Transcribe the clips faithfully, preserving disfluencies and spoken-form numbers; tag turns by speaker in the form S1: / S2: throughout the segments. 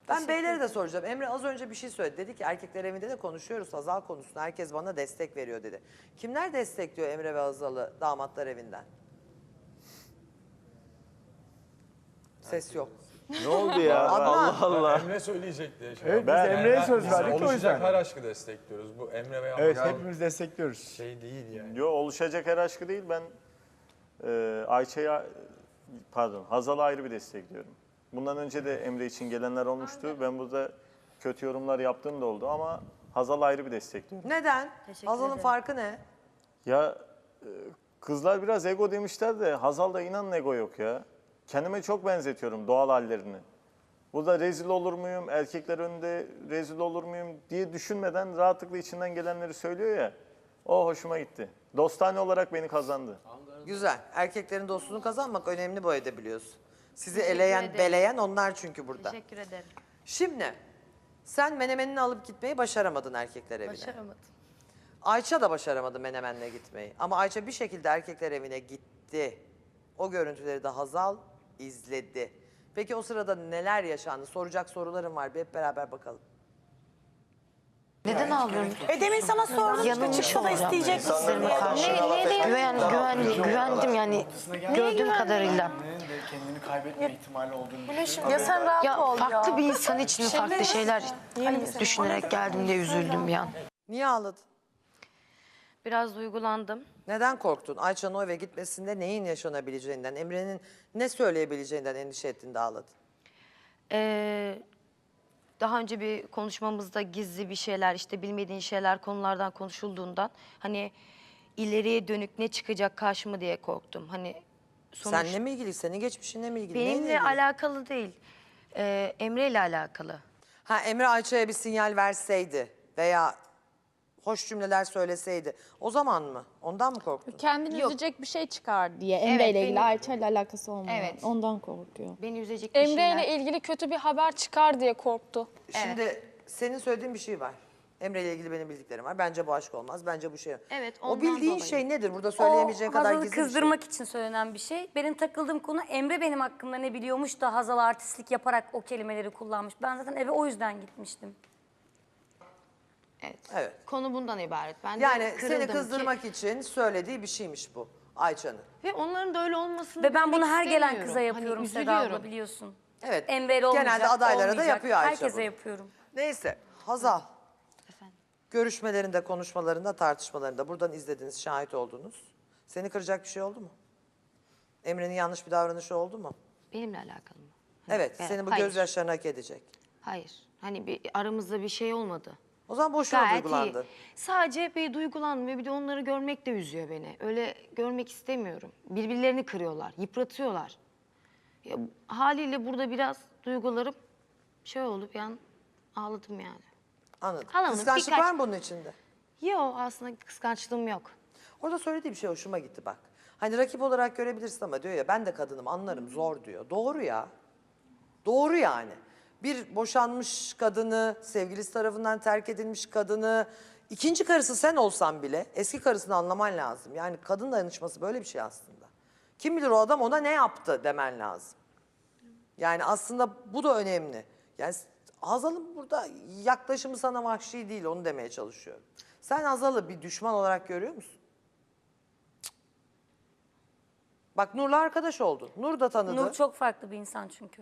S1: Ben beylere de soracağım. Emre az önce bir şey söyledi. Dedi ki erkekler evinde de konuşuyoruz Hazal konusunda. Herkes bana destek veriyor dedi. Kimler destekliyor Emre ve Hazal'ı damatlar evinden? Ses yok.
S2: Ne oldu ya?
S1: Adnan.
S2: Allah Allah.
S3: Emre söyleyecek diye.
S4: Evet,
S3: Ben,
S4: biz Emre'ye söz
S3: biz
S4: verdik o
S3: oluşacak
S4: yüzden.
S3: her aşkı destekliyoruz. Bu Emre ve
S4: Evet,
S3: Hazal
S4: hepimiz destekliyoruz.
S3: şey değil yani.
S2: Yo, oluşacak her aşkı değil. Ben e, Ayça'ya, pardon, Hazal'a ayrı bir destekliyorum. Bundan önce de Emre için gelenler olmuştu. Ben burada kötü yorumlar yaptığım da oldu ama Hazal'a ayrı bir destekliyorum.
S1: Neden?
S5: Teşekkür
S1: Hazal'ın
S5: ederim.
S1: farkı ne?
S2: Ya e, kızlar biraz ego demişler de Hazal'da inanın ego yok ya. Kendime çok benzetiyorum doğal hallerini. Burada rezil olur muyum, erkekler önünde rezil olur muyum diye düşünmeden rahatlıkla içinden gelenleri söylüyor ya. O hoşuma gitti. Dostane olarak beni kazandı.
S1: Güzel. Erkeklerin dostluğunu kazanmak önemli bu evde biliyorsun. Sizi
S5: Teşekkür
S1: eleyen,
S5: ederim.
S1: beleyen onlar çünkü burada.
S5: Teşekkür ederim.
S1: Şimdi sen menemenini alıp gitmeyi başaramadın erkekler evine.
S5: Başaramadım.
S1: Ayça da başaramadı menemenle gitmeyi. Ama Ayça bir şekilde erkekler evine gitti. O görüntüleri de Hazal izledi. Peki o sırada neler yaşandı? Soracak sorularım var. Bir hep beraber bakalım.
S6: Neden ağlıyorum?
S7: E demin sana sordum işte
S6: Yanılmış
S7: çıksa da
S6: olacağım.
S7: isteyecek misin
S6: Hislerime
S7: diye.
S6: karşı. Güven, güven, güvendim yani gördüğüm kadarıyla.
S4: Ve kendini kaybetme ihtimali olduğunu düşünüyorum.
S7: Ya sen rahat
S6: Ya
S7: ol
S6: farklı
S7: ya.
S6: bir insan için mi farklı şeyler düşünerek geldim diye üzüldüm bir an.
S1: Niye ağladın?
S5: Biraz duygulandım.
S1: Neden korktun? Ayça'nın o eve gitmesinde neyin yaşanabileceğinden, Emre'nin ne söyleyebileceğinden endişe ettin de ağladın?
S5: Ee, daha önce bir konuşmamızda gizli bir şeyler, işte bilmediğin şeyler konulardan konuşulduğundan hani ileriye dönük ne çıkacak karşıma diye korktum. Hani sonuç
S1: Seninle mi ilgili, senin geçmişinle mi ilgili? neyle
S5: benimle
S1: ilgili?
S5: alakalı değil. Ee, Emre ile alakalı.
S1: Ha, Emre Ayça'ya bir sinyal verseydi veya hoş cümleler söyleseydi o zaman mı? Ondan mı korktun?
S8: Kendini
S5: Yok.
S8: üzecek bir şey çıkar diye Emre
S5: Evet,
S8: ile ilgili,
S5: benim-
S8: Ayça ile alakası olmadan.
S5: Evet.
S8: Ondan korkuyor.
S5: Beni üzecek bir
S8: Emre
S5: şeyler.
S8: ile ilgili kötü bir haber çıkar diye korktu.
S1: Şimdi senin söylediğin bir şey var. Emre ile ilgili benim bildiklerim var. Bence bu aşk olmaz. Bence bu şey.
S5: Evet,
S1: O
S5: ondan
S1: bildiğin
S5: dolayı.
S1: şey nedir? Burada söyleyemeyeceğin
S9: O
S1: kadar
S9: Hazal'ı
S1: gizli bir şey.
S9: kızdırmak için söylenen bir şey. Benim takıldığım konu Emre benim hakkımda ne biliyormuş da Hazal artistlik yaparak o kelimeleri kullanmış. Ben zaten eve o yüzden gitmiştim.
S5: Evet.
S1: Evet.
S5: Konu bundan ibaret. Ben de
S1: Yani
S5: kırıldım
S1: seni
S5: ki-
S1: kızdırmak için söylediği bir şeymiş bu Ayça'nın.
S5: Ve onların da öyle olmasını
S9: Ve ben bunu
S5: bilmek
S9: her gelen
S5: istemiyorum.
S9: kıza yapıyorum
S5: Hani
S9: Seda abla
S5: üzülüyorum.
S9: biliyorsun.
S1: Evet.
S9: Emre'yle olmayacak,
S1: Genelde adaylara da
S9: olmayacak.
S1: yapıyor Ayça
S9: Herkese
S1: bunu.
S9: yapıyorum.
S1: Neyse Hazal.
S5: Efendim?
S1: Görüşmelerinde, konuşmalarında, tartışmalarında buradan izlediniz, şahit oldunuz. Seni kıracak bir şey oldu mu? Emre'nin yanlış bir davranışı oldu mu?
S5: Benimle alakalı mı? Hani
S1: Evet,
S5: ben-
S1: senin bu
S5: hayır,
S1: gözyaşlarını hak edecek.
S5: Hayır. Hani bir aramızda bir şey olmadı.
S1: O zaman boşuna
S5: Gayet
S1: duygulandın.
S5: iyi. Sadece bir duygulandım ve bir de onları görmek de üzüyor beni. Öyle görmek istemiyorum. Birbirlerini kırıyorlar, yıpratıyorlar. Ya, haliyle burada biraz duygularım şey oldu, bir an ağladım yani.
S1: Anladım.
S5: Halamın
S1: Kıskançlık
S5: birkaç-
S1: var mı bunun içinde?
S5: Yok, aslında kıskançlığım yok.
S1: Orada söylediği bir şey hoşuma gitti bak. Hani rakip olarak görebilirsin ama diyor ya ben de kadınım anlarım zor diyor. Doğru ya. Doğru yani. Bir boşanmış kadını, sevgilisi tarafından terk edilmiş kadını, ikinci karısı sen olsan bile eski karısını anlaman lazım. Yani kadın dayanışması böyle bir şey aslında. Kim bilir o adam ona ne yaptı demen lazım. Yani aslında bu da önemli. Yani Hazal'ın burada yaklaşımı sana vahşi değil onu demeye çalışıyorum. Sen Hazal'ı bir düşman olarak görüyor musun? Cık. Bak Nur'la arkadaş oldun. Nur da tanıdı.
S9: Nur çok farklı bir insan çünkü.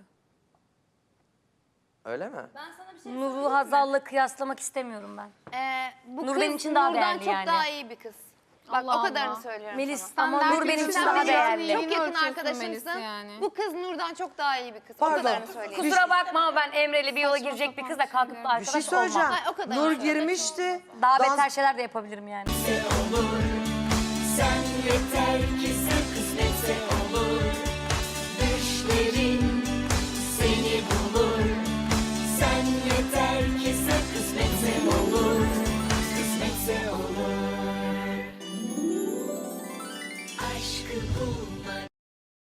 S1: Öyle mi?
S9: Nur'u Hazal'la kıyaslamak istemiyorum ben.
S6: Ee, bu
S9: Nur
S6: kız
S9: benim için daha
S6: Nur'dan
S9: değerli
S6: çok
S9: yani.
S6: daha iyi bir kız. Bak
S8: Allah
S6: o kadarını
S8: Allah.
S6: söylüyorum
S9: Melis
S6: sana.
S9: ama Nur benim için
S6: Sen
S9: daha
S6: benim
S9: değerli.
S6: Çok yakın
S8: Ölçüyorsun
S6: arkadaşımsın.
S8: Melis'i yani.
S6: Bu kız Nur'dan çok daha iyi bir kız.
S1: Pardon.
S6: O kadarını söyleyeyim.
S9: Kusura bakma ama ben Emre'yle bir yola girecek bir kızla kalkıp da
S1: Bir
S9: arkadaş
S1: şey söyleyeceğim.
S9: olmam.
S6: Ay, o kadar
S1: Nur
S6: öyle.
S1: girmişti.
S9: Daha
S1: Dans-
S9: beter şeyler de yapabilirim yani.
S10: Sen yeter ki sen kısmetse olur. Düşlerin